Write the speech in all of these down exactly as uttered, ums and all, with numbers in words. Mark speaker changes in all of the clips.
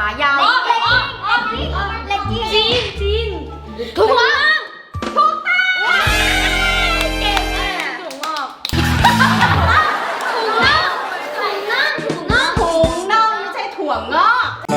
Speaker 1: ายาว
Speaker 2: เลกกิ้งจีนจีน
Speaker 1: ถูกต้องถูกต้องเก่งมาก
Speaker 2: ถุงงอกถุงน่องถุงน่องถุงน่อง
Speaker 1: ถุงน่องไม่ใช่ถั่วงอก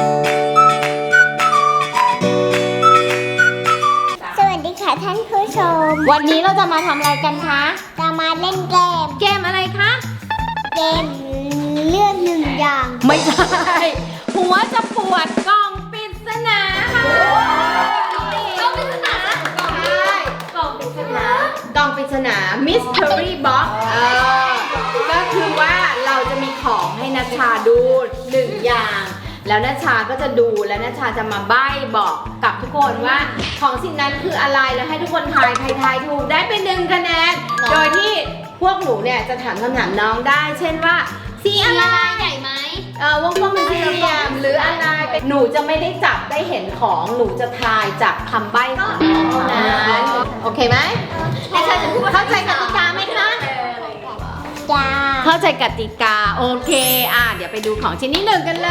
Speaker 3: สวัสดีค่ะท่านผู้ชม
Speaker 1: วันนี้เราจะมาทำอะไรกันคะ
Speaker 3: จะมาเล่นเกม
Speaker 1: เกมอะไรคะ
Speaker 3: เกมเลือกหนึ่งอย่าง
Speaker 1: ไม่ใช่หัวจะปวดกล่องปริศนาค่ะ
Speaker 2: กล่องปริศนากล่องใช่กล่องปริศนาก
Speaker 1: ล่องปริศนา mystery box เออก็คือว่าเราจะมีของให้นัชชาดูหนึ่งอย่าง แล้วนัชชาก็จะดูแล้วนัชชาจะมาใบ้บอกกับทุกคนว่าของสิ่งนั้นคืออะไรแล้วให้ทุกคนทายใครทายถูกได้เป็นหนึ่งคะแนนโดยที่พวกหนูเนี่ยจะถามคำถามน้องได้ เช่นว่าสีอะไร
Speaker 2: ใหญ่ไหม
Speaker 1: เออวงกลมเป็นสี่เหลี่ยมหรืออะไรเป็นหนูจะไม่ได้จับได้เห็นของหนูจะทายจากคำใบ้ของน้องเท่านั้นโอเคไหม
Speaker 2: ให้เธอจะพูดว่า
Speaker 1: เข้าใจกติกาไหมคะ
Speaker 3: จ้า
Speaker 1: เข้าใจกติกาโอเคอ่ะเดี๋ยวไปดูของชิ้นที่หนึ่งกันเลย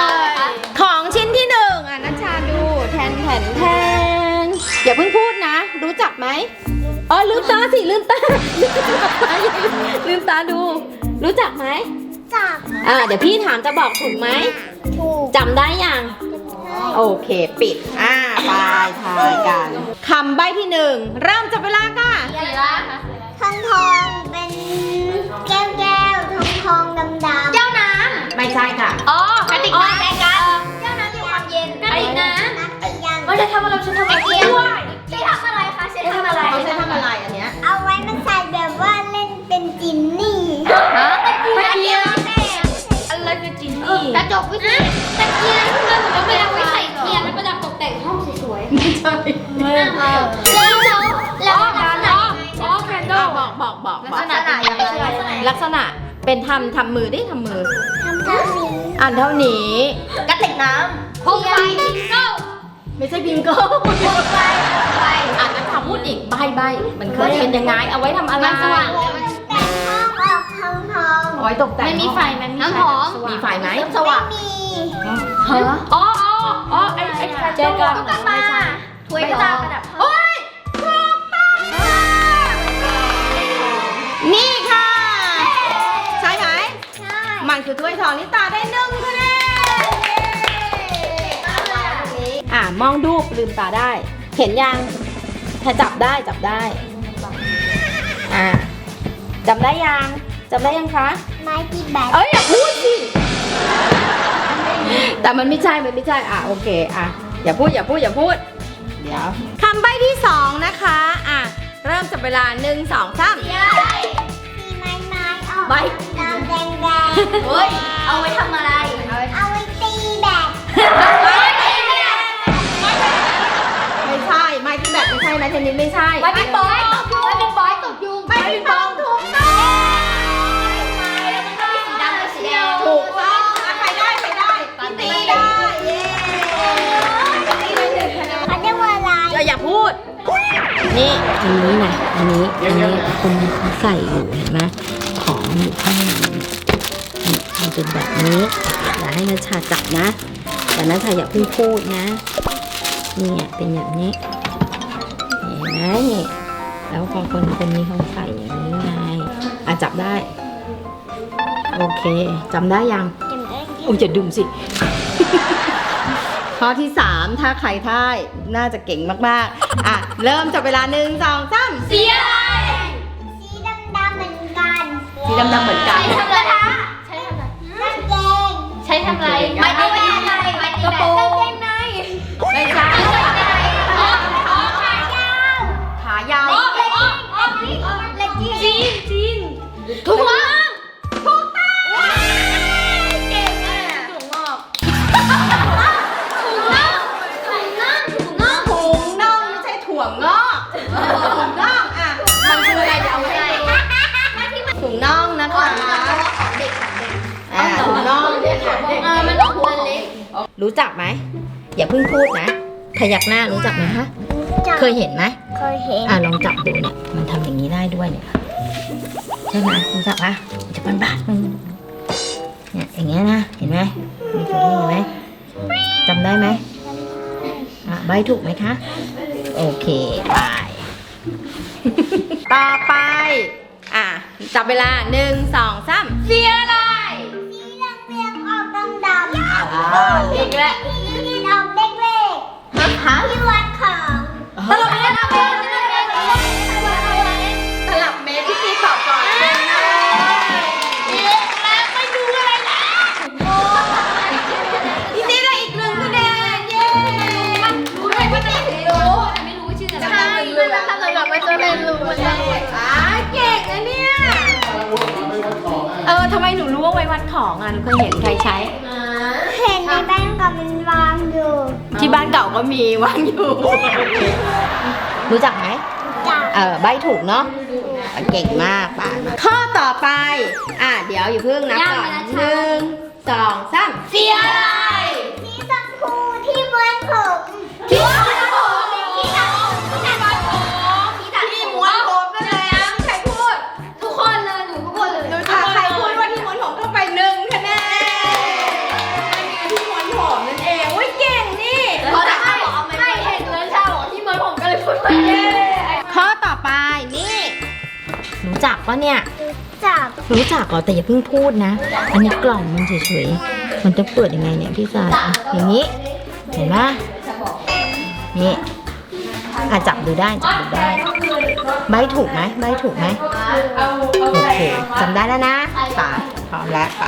Speaker 1: ของชิ้นที่หนึ่งอ่ะนัชชาดูแทนแทนแทนอย่าเพิ่งพูดนะ รู้จักไหมอ๋อลืมตาสิลืมตาลืมตาดู รู้จักไหม
Speaker 3: จับ
Speaker 1: อ่าเดี๋ยวพี่ถามจะบอกถูกไหม
Speaker 3: ถูก
Speaker 1: จำได้ยังโอเคปิดอ่าไปทายกันคำใบ้ที่หนึ่งเริ่มจับเวลาค่ะ
Speaker 2: สีละ
Speaker 3: ทองทองเป็นแก้วแก้วทองทองดำดำ
Speaker 2: แก้วน้
Speaker 1: ไม่ใช่ค่ะ
Speaker 2: ำอ๋อกระติกน้ำแดงกันแก้วน้ำอยู่ความเย็นกระติกน้
Speaker 3: นักเรียน
Speaker 2: ำว่าจะทำอะไรฉันทำอะไรด้วยใช้ทำอะไรคะใช้ทำอะไร
Speaker 1: เขาใช้ทำอะไรอันเนี้ย
Speaker 3: เอาไว้มันใส่แบบว่าเล่นเป็นจินนี่
Speaker 2: ฮะตะเกียงตะเกียงอะไรคือจินนี่กระจกวิเศษตะเกียงมันเหมือนกับเวลาไว้ใส่เทียนแล้วประดับตกแต่งห้องสวย
Speaker 1: ไม่ใช่
Speaker 2: ๆแล้วแล้วแล้วลักษณะอ๋อแคนโด
Speaker 1: อ่ะบอกบอกบอก
Speaker 2: ลั
Speaker 1: บอก
Speaker 2: กษณะยังไง
Speaker 1: ลักษณะเป็นทำทำมือดิทำมือ
Speaker 3: ทำเท่านี้
Speaker 1: อ่านเท่านี้
Speaker 2: กระติกน้ำโคมไฟบิงโก้
Speaker 1: ไม่ใช่บิงโก้
Speaker 2: โคมไฟไฟ
Speaker 1: อ่านแล้วทำพูดอีกใบใบมันเคยเป็นยังไงเอาไว้ทำอะไร
Speaker 2: มันสว่างเลย
Speaker 3: แต่ห้องออกทองทอง
Speaker 1: เอาไว้ตกแต่ง
Speaker 2: ไม่มีไฟมันมีน้ำหอม
Speaker 1: มีไฟไหม
Speaker 2: สว่าง
Speaker 3: มี
Speaker 1: ฮะอ๋ออ๋ออ๋อไอ้ไอ้เจอกัน
Speaker 2: ตุ๊กตาถ้วยทองประดับ
Speaker 1: โอ้ยถูกต้องนี่ค่ะ ใช่ไหม
Speaker 3: ใช่
Speaker 1: มันคือถ้วยทองนิตาได้หนึ่งคะแนนอ่ะมองดูลืมตาได้ เห็นยังถ้าจับได้จับได้อ่ะจำได้ยังจำได้ยังคะ
Speaker 3: ไม้ตีแบต
Speaker 1: เอ้ยอย่าพูดสิแต่มันไม่ใช่มันไม่ใช่อ่ะโอเคอ่ะอย่าพูดอย่าพูดอย่าพูดเดี๋ยวคำใบ้ที่สองนะคะอ่ะเริ่มจับเวลาหนึ่งสองสาม
Speaker 3: มีไม้ไม้ออก
Speaker 1: ใบ
Speaker 3: ดำแดงแดง
Speaker 2: เฮ้ย เอาไว้ทำอะไร เอาไว้
Speaker 3: เอาไว้ตีแบต
Speaker 1: ไม่ใช่ไม้ที่แบบไม่ใช่ไม้เทนนิสไม่ใช่
Speaker 2: ไว้เป็นบอยตกยุงไว้เป็นบอยตกยุง
Speaker 1: ไม้ปิงปองถูกต้อง
Speaker 2: สีดำกับสีแดง
Speaker 1: ถูกต้องอ่ะใครได้ใครได้ตีได้เย้ตีได้หนึ่งคะแนน
Speaker 3: เขาเรียกว่าอะไร
Speaker 1: อย่าอย่าพูด นี่อันนี้นะอันนี้อันนี้คนเขาใส่อยู่เห็นไหมของอยู่ข้างในนี่มันเป็นแบบนี้อย่าให้นัชชาจับนะแต่นัชชาอย่าเพิ่งพูดนะนี่เป็นอย่างนี้เห็นไหมนี่แล้วพอคนคนนี้เขาใส่อย่างนี้ไงอ่ะจับได้โอเคจำได้ยัง
Speaker 3: จำได้
Speaker 1: อุ้ยจะดึงสิ ข้อที่สามถ้าใครท่ายน่าจะเก่งมากๆ อ่ะ เริ่มจับเวลาหนึ่งสองสาม
Speaker 2: สีอะไร
Speaker 3: สีดำดำๆเหมือนกัน
Speaker 1: สีดำๆเหมือนกัน
Speaker 2: ใช้ทำอะไรคะใช้ทำอะไร
Speaker 3: กางเกง
Speaker 2: ใช้ทำอะไรไม้ตีแบตอะไรไม้ตี
Speaker 1: กระ
Speaker 2: แบ
Speaker 1: โปร
Speaker 2: ต
Speaker 1: งไม่ใช่
Speaker 2: อ๋ออ๋อขายาว
Speaker 1: ขายาว
Speaker 2: อ๋ออ๋ออ๋อเลกกิ้งจีนจีนถุงน่องถูกต้องเก่งมากถุงงอกถุงน่องถุงน่องถุงน่อง
Speaker 1: ถุงน่องไม่ใช่ถั่วงอกถุงน่องอ่ะ มันคืออะไรเดี๋ยวเอาไว้ให้ดูถุงน่องนะคะ
Speaker 2: ของเด็กของเด็ก
Speaker 1: อ่าถุงน่องเนี่ยค่ะ
Speaker 2: เออมันต้องหัวเล็ก
Speaker 1: รู้จักไหม อย่าเพิ่งพูดนะ พยักหน้ารู้จักไหมฮะ เคยเห็นไหม
Speaker 3: เคยเห็น
Speaker 1: อ่ะลองจับดูเนี่ย มันทำอย่างนี้ได้ด้วยเนี่ย ใช่ไหมรู้จักปะมันจะเป็นบาดมันเนี่ยอย่างเงี้ยนะ เห็นไหมมีตัวนี้เห็นไหมจำได้ไหมอ่ะใบถูกไหมคะโอเคไป ต่อไปอ่ะจับเวลาหนึ่งสองสามสีอะไร
Speaker 3: สีเหลืองเรียงออกดำดำ
Speaker 1: อ่าอีกแล้ว
Speaker 3: สีเรียงออกเล็กเล็กที่วัดของ
Speaker 2: ตลบเม็ดตลบเม็ดตลบเม็ดตลบเม็ด
Speaker 1: สลับเมตรที่ตีตอบก่อน
Speaker 2: ไม่ดูอะไรแล้ว
Speaker 1: พี่ตีได้อีกหนึ่งคะแนนเย้
Speaker 2: รู้ไหมพี่ตีรู้แต่ไม่รู้ว่าชื่ออะไรใช่มันทำสำหรับไม่ต้องเรียนรู้มันได้
Speaker 1: อ่าเก่งนะเนี่ยเออทำไมหนูรู้ว่าไว้วัดของอ่ะหนูเคยเห็นใครใช้
Speaker 3: เห็นในแบงก์กับมันวางอยู่
Speaker 1: ที่บ้านเก่าก็มีวางอยู่ รู้จักไหม
Speaker 3: จาก
Speaker 1: เออใบถูกเนาะเก่งมากป่านข้อต่อไปอ่ะเดี๋ยวอย่าเพิ่งนับก่อนหนึ่งสองสาม
Speaker 2: สีอะไร
Speaker 3: สีชมพูที่ม้วนผม
Speaker 2: ที่ม้วนผมที่ตัดที่ตัดผมที่ตัด
Speaker 1: ที่ม้วนผมนั่นแหละใครพูด
Speaker 2: ทุกคนเลยหนูทุกคนเลย
Speaker 1: ดูถ้าใครพูดว่าที่ม้วนผมเข้าไปหนึ่งคะแนนที่ม้วนผมนั่นเองอุ้ยเก่งนี่
Speaker 2: เขาจะให้ให้เห็นเลยชาบอกที่ม้วนผมก็เลยพูดไปเย้
Speaker 1: ข้อต่อไปนี่รู้จักปะเนี่ย
Speaker 3: จาก
Speaker 1: รู้จักเหรอแต่อย่าเพิ่งพูดนะ อันนี้กล่องมันเฉยๆมันจะเปิดยังไงเนี่ยพี่สายอ่ะอย่างนี้เห็นไหมนี่อ่ะจับดูได้จับดูได้ใบถูกไหมใบถูกไหมโอเคจำได้แล้วนะไปพร้อมแล้วไป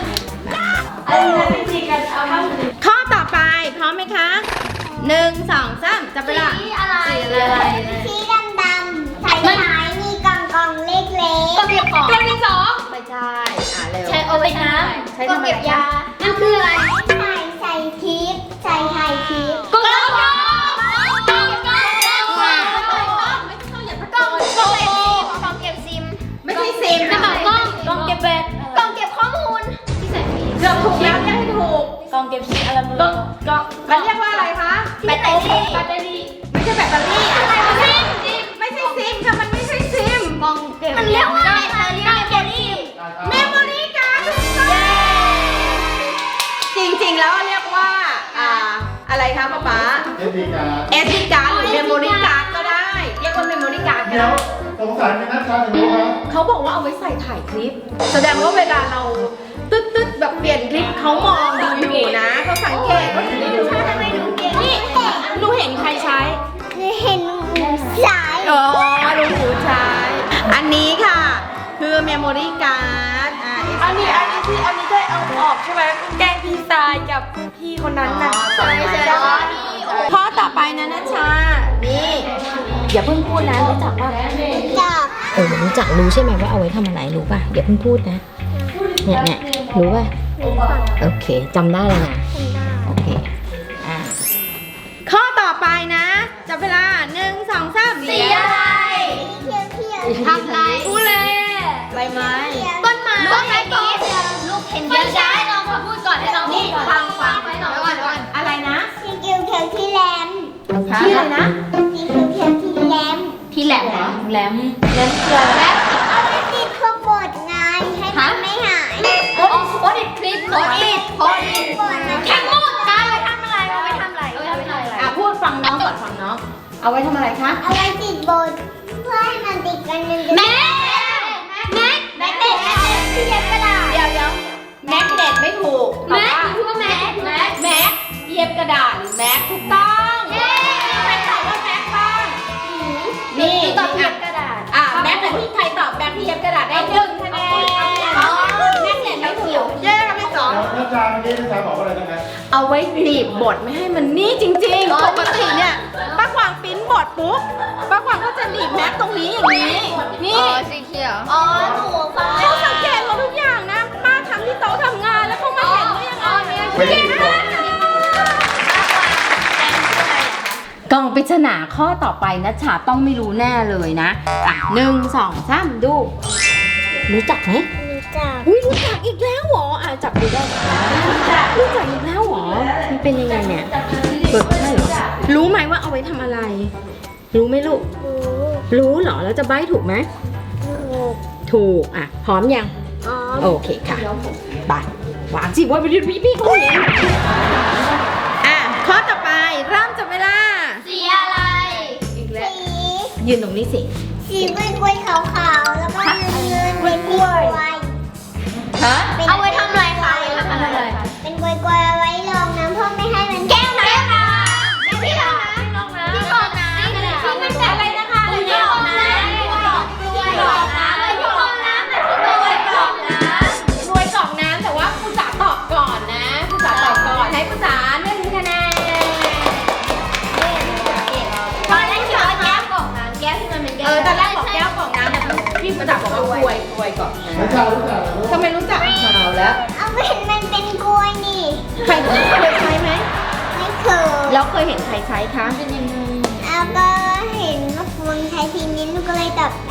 Speaker 1: ข้อต่อไปพร้อมไหมคะหนึ่งสองสามจับเวลา
Speaker 2: สีอะไรสีอะไร
Speaker 3: สีดำดำใส่ท้ายมีกล่องกล่องเล็กเล็ก
Speaker 2: กองเก็บของกองเก็บสอง
Speaker 1: ไม่ใช่อ่ะเร็ว
Speaker 2: ใช้เอาไว้น้ำกองเก็บยานั่นคืออะไร
Speaker 3: ใส่ใส่ทิปใส่ไข่ทิป
Speaker 2: กองเก็บกองกองเก็บกองกองกองกองเก็บซิม
Speaker 1: ไม่ใช่ซิม
Speaker 2: กระเป๋ากล้องกองเก็บแบตกองเก็บข้อมูลที่ใส่
Speaker 1: เกือบถูกแล้วยังให้ถูก
Speaker 2: กองเก็บซิมอะไรมือ
Speaker 1: ก็ก็มันเรียกว่าอะไรคะ
Speaker 2: แบตเตอรี่แบตเตอรี่
Speaker 1: ไม่ใช่แบตเตอรี่อะไร
Speaker 2: ซิ
Speaker 1: วะ
Speaker 2: ม
Speaker 1: เนี่ย
Speaker 2: ซิม
Speaker 1: ไม่ใช่ซิมค่ะมันไม่ใช่ซิม
Speaker 2: กองเก็บมันเรียกว่าแบตเตอรี่แบตเตอรี่
Speaker 1: เมมโมรี่การ์ดจริงๆแล้วเรียกว่าอ่าอะไรคะป๊าป๊า
Speaker 4: เอสดีการ์ด
Speaker 1: เอสดีการ์ดหรือเมมโมรี่การ์ดก็ได้ เรียกว่าเมมโมรี่การ์ดก็
Speaker 4: เดี๋ยว
Speaker 1: ได้
Speaker 4: สงสัยเป็นนักการถึงรู้ครับ
Speaker 1: เขาบอกว่าเอาไว้ใส่ถ่ายคลิป แสดงว่าเวลาเราตึ๊ดตึ๊ดแบบเปลี่ยนคลิปเขามองดูอยู่นะเขาสังเกตเขาถึงได้ดูนี่หนูเห็นใครใช้
Speaker 3: เห็นสาย
Speaker 1: อ๋อลุงหมูใช้ อันนี้ค่ะ คือเมมโมรี่การ์ดอ่า
Speaker 5: อันนี้อันนี้ที่อันนี้ได้เอาออกใช่ไหมแกล้งพี่ทรายกับพี่คนนั้นน่ะ
Speaker 1: ใช่ใช่ข้อต่อไปนะนัชชา นี่ อย่าเพิ่งพูดนะรู้จักป่ะ
Speaker 3: จาก
Speaker 1: เออรู้จักรู้ใช่ไหมว่าเอาไว้ทำอะไรรู้ป่ะอย่าเพิ่งพูดนะ เนี่ยเนี่ยรู้ป่ะ โอเคจำได้เลยนะ โอเค อ่า ข้อต่อไปนะจับเวลาหนึ่งสองสาม
Speaker 2: สีอะไร
Speaker 3: เขียวเขียว
Speaker 2: ทำไรพูดเลย
Speaker 1: ใบไม้
Speaker 2: ต้นไม้ต้นไม้ปี๊ดลูกเห็นเยอะได้น้องมาพูดก่อนให้น้องพูดก่อนฟังฟังให้น้องก่อนก่อน
Speaker 1: อะไรนะ
Speaker 3: สีเขียวเขียวที่แหลม
Speaker 1: ที่อะไรนะ
Speaker 3: สีเขียวเขียวที่แหลม
Speaker 2: ที่แหลมเหรอแหลม
Speaker 1: เล่นเกลือแล้ว
Speaker 3: เอาไว้ติดพวกบทไงให้มันไม่หาย
Speaker 2: โอ้โพสต์คลิปโพสต์อิทโพสต์อิททั้งหมดการไปทำอะไรเอาไปทำอะไรเอาไปทำอะไร
Speaker 1: อ่ะพูดฟังน้องก่อนฟังน้อง เอาไว้ทำอะไรคะ
Speaker 3: เอาไว้ติดบทเพื่อให้มันติดกันหนึ่ง
Speaker 2: แม็กแม็กแม็กเด็ดที่เย็บกระดาษ
Speaker 1: เดี๋ยวเดี๋ยวแม็กเน็ตไม่ถูก
Speaker 2: แม็กคือว่าแม็กแม็ก
Speaker 1: แม็กเย็บกระดาษหรือแม็กถูกต้องใครตอบว่าแม็กบ้างนี่
Speaker 2: ตอบเย็บกระดาษ
Speaker 1: อ่ะแม็กกับที่ใครตอบแม็กที่เย็บกระดาษได้หนึ่งคะแนนแม็กเน็ตไม่ถูกเย้ไม่สอง
Speaker 4: แล้วนักการเมื่อกี้นักการบอกว่าอะไรนะ
Speaker 1: เอาไว้หนีบบทไม่ให้มันนี่จริงๆ ปกติเนี่ยป้ากวางปริ้นบทปุ๊บป้ากวางก็จะหนีบแม็กตรงนี้อย่างนี้ นี่
Speaker 2: สีเขียว
Speaker 3: อ๋อหนูฟัง
Speaker 1: เขาสังเกตหมดทุกอย่างนะ ป้าทำที่โต๊ะทำงานแล้วเขามาเห็นได้ยังไงเก่งมากกล่องปริศนาข้อต่อไปนะฉาต้องไม่รู้แน่เลยนะ อ่ะหนึ่งสองสามดู รู้จักไหม
Speaker 3: รู้จัก
Speaker 1: อุ้ยรู้จักอีกแล้วเหรออ่ะจับดูได้รู้จักรู้จักอีกแล้วเหรอมันเป็นยังไงเนี่ยเปิดใช่เหรอรู้ไหมว่าเอาไว้ทำอะไร รู้ไหมลูก
Speaker 3: รู้
Speaker 1: รู้เหรอแล้วจะใบ้ถูกไหม
Speaker 3: ถูก
Speaker 1: ถูกอ่ะพร้อมยัง
Speaker 3: อ๋อ
Speaker 1: โอเคค่ะไปวางสิว่าไปดูพี่พี่เขาเห็นอ่ะยืนตรงนี้สิ
Speaker 3: สีกล้วยๆขาวๆแล้วก็เงินๆเป็นกล้วย
Speaker 1: ฮะ
Speaker 2: เอาไว้ทำอะไรคะเอาไว้ทำอะไร
Speaker 3: เป็นกล้วยๆเอาไว้รองน้ำเพื่อไม่ให้มันแก้วน้ำนะ
Speaker 2: ที่รองน้ำที่รองน้ำที่มันแบบอะไรนะคะที่รองน้ำที่รองน้ำที่รองน้ำแบบที่รวยกล่องน้ำ
Speaker 5: รวยกล่องน้ำแต่ว่าคุณจ๋าตอบก่อนนะคุณจ๋าตอบก่อนให้คุณจ๋าหนึ่งคะแนน
Speaker 2: ตอนแรกคิดว่าแก้วกล่องน้ำแก้วที่มันเป็นแก้ว
Speaker 5: เออตอนแรกบอกแก้วกล่องน้ำแต่พี่คุณจ๋าบอกว่ากล้วยกล้วยกล่องน้
Speaker 4: นัชชารู้จักเหรอ
Speaker 5: ำทำไมรู้จักข่าวแล้ว
Speaker 3: เอาไม่เห็นมันเป็นกล้วยนี่
Speaker 5: ใครเคยใช้ไหม
Speaker 3: ไม่เคย
Speaker 5: แล้วเคยเห็นใครใช้คะ
Speaker 3: เอาก็เห็นว่าฟูนใช้ทีนี้ลูกก็เลยตอบได้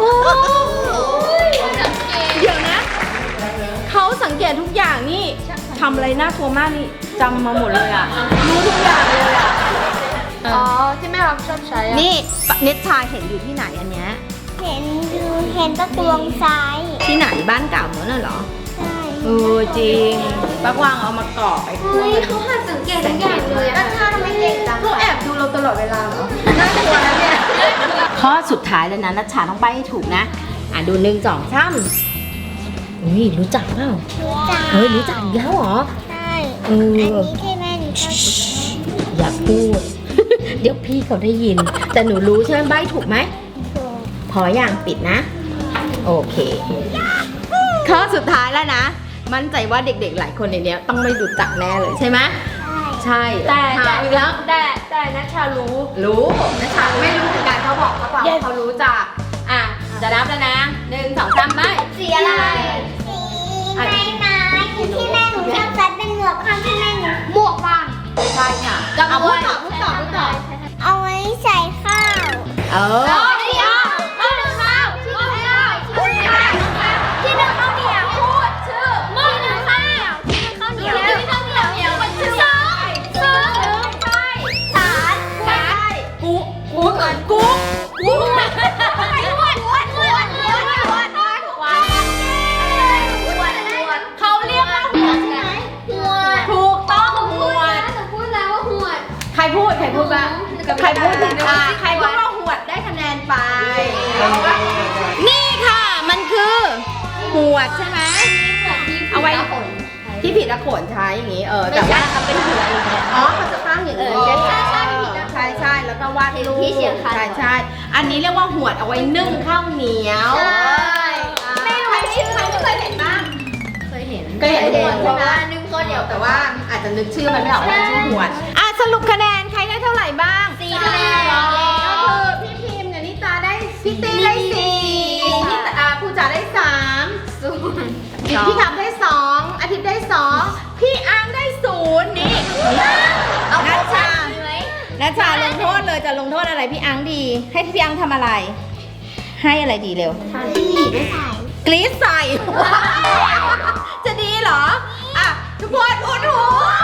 Speaker 5: เดี๋ยวนะเขาสังเกตทุกอย่างนี่ทำอะไรน่ากลัวมากนี่จำมาหมดเลยอ่ะรู้ทุกอย่างเลยอ่ะ
Speaker 2: อ๋อที่แม่เราชอบใช้อะ
Speaker 5: นี่เนตชาเห็นอยู่ที่ไหนอันเนี้ย
Speaker 3: เห็นดูเห็นประตูวงซ้าย
Speaker 5: ที่ไหนบ้านเก่าเหมือนน่ะเหรอ
Speaker 3: ใช่
Speaker 5: เออจริงปักวางเอามาก่อไปทั่ว
Speaker 2: เฮ้ยเขาหัดสังเกตทุกอย่างเลยอะชาทำไมเก่งจัง
Speaker 5: เขาแอบดูเราตลอดเวลาเหรอน่ากลัวนะเนี่ยข้อสุดท้ายแล้วนะนัชชาต้องไปให้ถูกนะ อ่ะดูหนึ่งสองสาม
Speaker 1: อุ้ยรู้จักเปล่า
Speaker 3: รู้จัก
Speaker 1: เฮ้ยรู้จักอีกแล้วเหรอ
Speaker 3: ใช่
Speaker 1: เอ
Speaker 3: อัน
Speaker 1: อ
Speaker 3: นี้ที่แม่หนูชอบ
Speaker 1: อย่าพูด เดี๋ยวพี่เขาได้ยิน แต่หนูรู้ใช่ไหมใบถูกไหม
Speaker 3: ถูก
Speaker 1: พออย่างปิดนะ โอเค
Speaker 5: ข้อสุดท้ายแล้วนะ มั่นใจว่าเด็กๆหลายคนในเนี้ยต้องไม่รู้จักแน่เลยใช่ไหม
Speaker 3: ใช่
Speaker 5: ใช่
Speaker 2: แต่
Speaker 5: ถามอีกแล้ว
Speaker 2: แต่แต่นัชชารู้
Speaker 5: รู้นัชชาไม่รู้เหมือนกันเขาบอกเขาบอกว่าเขารู้จักอ่ะจะนับแล้วนะหนึ่งสองสามไป
Speaker 2: สีอะไร
Speaker 3: สีไม้ไม้คือที่แม่หนูชอบใส่เป็นหมวกข้างที่แม่หนู
Speaker 2: หมวกฟาง
Speaker 5: ไม่ใช่ค่ะ
Speaker 2: จำ
Speaker 5: เอา
Speaker 2: ไว้
Speaker 5: พูดต่อพูดต่อพูดต่อ
Speaker 3: เอาไว้ใส่ข้าว
Speaker 5: เออ
Speaker 2: อ๋อเดี๋ยวที่หนึ่งข้าวที่หนึ่งข้าวที่หนึ่งข้าวที่หนึ่งข้าวเหนียวพูดชื่อที่หนึ่งข้าวที่หนึ่งข้าวเหนียวที่หนึ่งข้าวเหนียวเหนียวมันชื่อสองสองใช่สามใช่
Speaker 5: กูกูก่อนกูกู
Speaker 2: ไอ้อ้วนอ้วนอ้วนอ้วนอ้วนอ้วนอ้วนอ้วนเขาเรียกว่าหัวใช่ไหมหัว
Speaker 5: ถูกต้องหวด
Speaker 2: จะพูดแล้วว่าหัว
Speaker 5: ใครพูดใครพูดบ้างใครพูดถึงอ่ะใครพูดว่าหวดได้คะแนนไป นี่ค่ะมันคือหวดใช่ไหม เอาไว้ ที่ผิดอะโขนใช้อย่างงี้เออแต่ว่าทำเป็นหัวอย่างเงี้ยอ๋อเขาจะตั้งอย่างนี้
Speaker 2: เออใช่ใช่ผิดนะ
Speaker 5: ใช่ใช่แล้วก็วาดรูป
Speaker 2: ที่เชียงคาน
Speaker 5: ใช่ใช่อันนี้เรียกว่าหวดเอาไว้นึ่งข้าวเหนียว
Speaker 2: ใช่
Speaker 5: อ่า
Speaker 2: ไม่รู้
Speaker 5: ใคร
Speaker 2: ชื่อ
Speaker 5: ใครเคยเห็นบ้าง
Speaker 2: เคยเห็น
Speaker 5: เคยเห็นหวด
Speaker 2: เพ
Speaker 5: ใช่
Speaker 2: ราะ
Speaker 5: ไหม
Speaker 2: ว่านึ่งข้าวเหนียว
Speaker 5: แต่ว่าอาจจะนึกชื่อมันไม่ออกว่ามันชื่อหวดอ่ะสรุปคะแนนใครได้เท่าไหร่บ้าง
Speaker 2: สี่คะแนน
Speaker 5: ก็คือพี่พิมพ์กับนิตาได้พี่ตีได้สี่พี่ตาอ่าผู้จ๋าได้สามพี่ทับได้สองอาทิตย์ได้สองพี่อังได้ศูนย์นี่
Speaker 2: เอา
Speaker 5: นัชชา
Speaker 2: ไหม
Speaker 5: นัชชาลงโทษเลยจะลงโทษอะไรพี่อังดี ให้พี่อังทำอะไร ให้อะไรดีเร็ว
Speaker 3: ไม่ใส่
Speaker 5: กรี๊ดใส่ จะดีเหรอ อ่ะ ทุกคนอุดหู